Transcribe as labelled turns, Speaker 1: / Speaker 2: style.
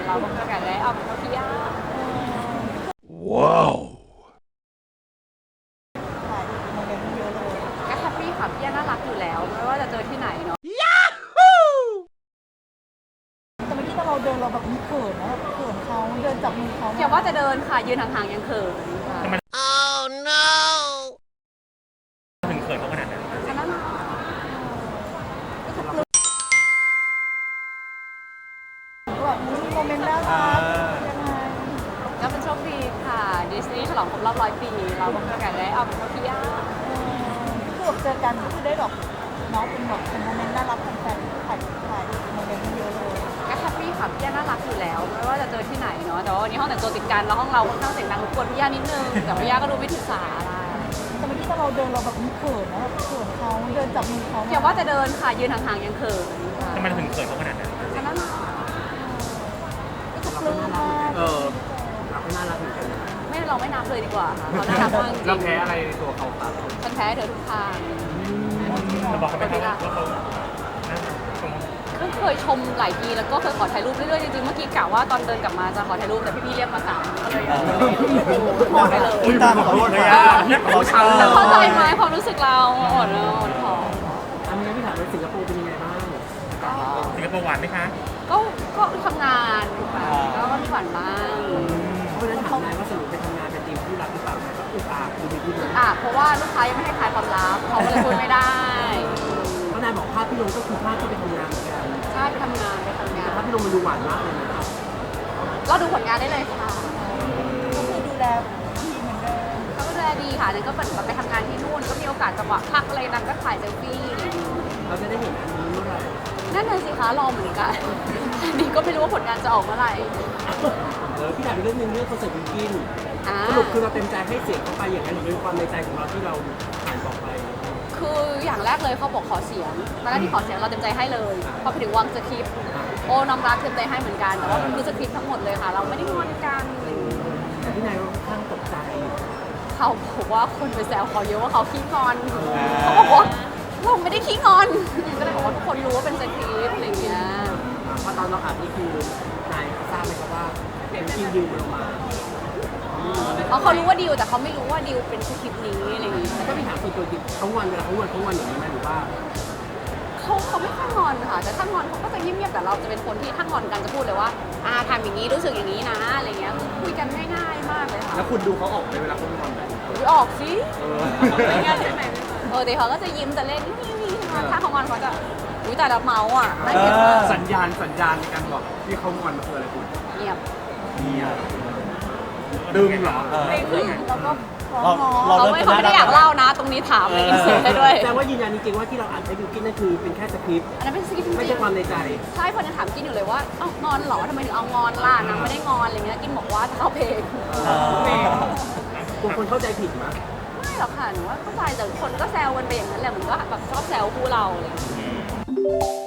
Speaker 1: เราก็มีโอกาสได้ออกไปเที่ยวที่ย่า
Speaker 2: ว้าว
Speaker 3: ถ่ายโมเมนต์เยอะเลย
Speaker 1: ก็แฮปปี้ค่ะพี่ย่าน่ารักอยู่แล้วไม่ว่าจะเจอที่ไหนเนาะ
Speaker 3: แต่เมื่อกี้ตอนเราเดินเราแบบมีเขินนะแบบเขินเขาเดินจับมือเขา
Speaker 1: อย่าว่าจะเดินค่ะยืนห่างๆยังเขินค่ะ
Speaker 4: ถึงเขินเขาขนาดนั้น
Speaker 1: ฉะนั้น
Speaker 3: แบบมีโมเมนต์น่ารักยังไง
Speaker 1: ก็เป็นโชคดีค่ะดิสนีย์ฉลองครบรอบ100 ปีเราก็มีโอกาสได้ออกไปเที่ยวที่ย่า
Speaker 3: คือแบบเจอกันก็คือได้แบบเน้องเป็นแบบเป็นโมเมนต์น่ารักของแฟนถ่ายโมเมนต์เยอะเลย
Speaker 1: ก็แฮปปี้ค่ะพี่ย่าน่ารักอยู่แล้วไม่ว่าจะเจอที่ไหนเนาะแต่ว่าวันนี้ห้องแต่งตัวติดกันแล้วห้องเราค่อนข้างเสียงดังรบกวนพี่ย่านิดนึงแต่พี่ย่าก็ดูไม่ถือสาอะไร
Speaker 3: แต่เมื่อกี้ตอนเราเดินเราแบบมีเขินนะแบบเขินเขาเดินจับมือเขา
Speaker 1: อย่าว่าจะเดินค่ะยืนห่างๆยังเขินค่ะ
Speaker 4: ทำไมถึงเขินเขาขนาดนั้น
Speaker 1: ฉะนั้น
Speaker 3: ปลื้มมาก
Speaker 4: เราก็น่ารักเหมือนกัน
Speaker 1: ไม่เราไม่นับเลยดีกว่าค่ะเขาน่ารักมากจริ
Speaker 4: เรา
Speaker 1: ง
Speaker 4: แพ้อะไรในตัวเขาครับ
Speaker 1: ฉันแพ้เธอทุกทาง
Speaker 4: เราบอกเขาไปครับว่าเขาชม
Speaker 1: ก็เคยชมหลายทีแล้วก็เคยขอถ่ายรูปเรื่อยๆจริงๆเมื่อกี้กะว่าตอนเดินกลับมาจะขอถ่ายรูปแต่พี่ๆเรียกมา3ก็เลยขอไปเลย
Speaker 2: ตามขอโทษเลยอ่ะ
Speaker 4: เขาช้ำ
Speaker 1: แต่
Speaker 4: เลย
Speaker 1: เข้าใจไหมความรู้สึกเราอ่อนขอ
Speaker 5: อันนี้พี่ถามว่าสิงคโปร์เป็นยังไงบ้าง
Speaker 4: สิงคโปร์หวานไหมคะ
Speaker 1: ก็ทำงานค่ะก็มีหวานบ้าง
Speaker 5: เพราะฉะนั้นถามนายว่าสรุปไปทำงานเป็นทีมที่รักหรือเปล่าแบบอุกอาบดูดีๆเลย
Speaker 1: เพราะว่าลูกค้ายังไม่ให้ขายความลับเขาก็เลยพูดไม่ได้
Speaker 5: เพราะนายบอกภาพพี่ลงก็คือภาพก็ไปทำงานเหมือนกัน
Speaker 1: ใช่ไปทำงาน
Speaker 5: แต่ภาพพี่ลงมันดูหวานมากเลยนะครับ
Speaker 1: ก็ดูผลงานได้เลยค่ะ
Speaker 3: ก็คือดูแลทีมเหมือนเดิม
Speaker 1: เขาก็ดูแลดีค่ะนั่นก็แบบไปทำงานที่นู่นก็มีโอกาสจังหวะพักอะไรดังก็ถ่ายเซลฟี่อะไรอย่างเงี้ย
Speaker 5: เราจะได้เห็นอันนี้เมื่อไหร่
Speaker 1: นั่นน่ะสิคะรอเหมือนกันอันนี้ก็ไม่รู้ว่าผลงานจะออกเมื่อไหร่
Speaker 5: พี่ถามอีกเรื่องนึงเรื่องคอนเสิร์ตวินกิน
Speaker 1: อ่า
Speaker 5: สรุปคือเราเต็มใจให้เสียงเข้าไปอย่างนั้นหรือเป็นความในใจของเราที่เราผ่านบอกไป
Speaker 1: คืออย่างแรกเลยเขาบอกขอเสียงตอนแรกที่ขอเสียงเราเต็มใจให้เลยพอไปถึงวางสคริปต์โอ้น้องรักเต็มใจให้เหมือนกันแต่ว่ามันคือสคริปต์ทั้งหมดเลยค่ะ เราไม่ได้งอนกัน
Speaker 5: แต่พี่นายค่อนข้างตกใจ
Speaker 1: เขาบอกว่าคนไปแซวเขาเยอะว่าเขาขี้งอนเขาบอกว่าเราไม่ได้ขี้งอนก็เลยบอกว่าทุกคนรู้ว่าเป็นสคริปต์อะไรอย่างเงี้ย
Speaker 5: เพราะตอนเราอ่านนี่คือนายทราบไหมครับว่าเป็นกินดิวลงมา
Speaker 1: เพราะเขารู้ว่าดิวแต่เขาไม่รู้ว่าดิวเป็นสคริปต์นี้อะไรอย่างเงี้ย
Speaker 5: แล้วก็พี่ถามตัวจริงเขาวันเวลาเขาวันอย่างนี้ไหมหรือว่า
Speaker 1: เขาไม่ค่อยงอนค่ะแต่ถ้างอนเขาก็จะเงียบๆแต่เราจะเป็นคนที่ถ้างอนกันจะพูดเลยว่าทำอย่างนี้รู้สึกอย่างนี้นะอะไรเงี้ยคือคุยกันง่ายๆมากเลยค่ะ
Speaker 5: แล้วคุณดูเขาออกไหมเวลาเขางอนไหม
Speaker 1: ออกสิไม่ง่ายใช่ไหมแต่เขาก็จะยิ้มจะเล่นนี่ถ้าเขางอนเขาจะแต่ละเมาส์อ่ะน่าเกลียดมาก
Speaker 5: สัญญาณในการบอกที่เขางอนมันคืออะไรคุณ
Speaker 1: เงียบ
Speaker 5: ดึงเหรอ
Speaker 3: แล้วก็ฟ้อง
Speaker 2: เรา
Speaker 3: น้อง
Speaker 2: เรา
Speaker 1: เขาไม่ได้อยากเล่านะ ตรงนี้ถามเลยอินเสิร์ตให้ด้วย
Speaker 5: แต่ว่ายืนยันจริงๆว่าที่เราอ่านให้บิวกินนั่นคือเป็นแค่สคริปต์
Speaker 1: อันนั้นเป็นสคริปต์จ
Speaker 5: ไม่
Speaker 1: ริ
Speaker 5: ใช่
Speaker 1: ง
Speaker 5: ความในใจ
Speaker 1: ๆใช่คนยังถามกินอยู่เลยว่าเอ้างอนเหรอทำไมถึงเอางอนล่ะนางไม่ได้งอนอะไรเงี้ยกินบอกว่าจะเข้าเพลง
Speaker 5: กลัวคนเข้าใจผิดมั้ย
Speaker 1: ไม่หรอกค่ะหนูว่าเข้าใจแต่คนก็แซวกันไปอย่างนั้นแหละเหมือนก็แบบชอบแซวคู่เราอะไรอย่างเงี้ย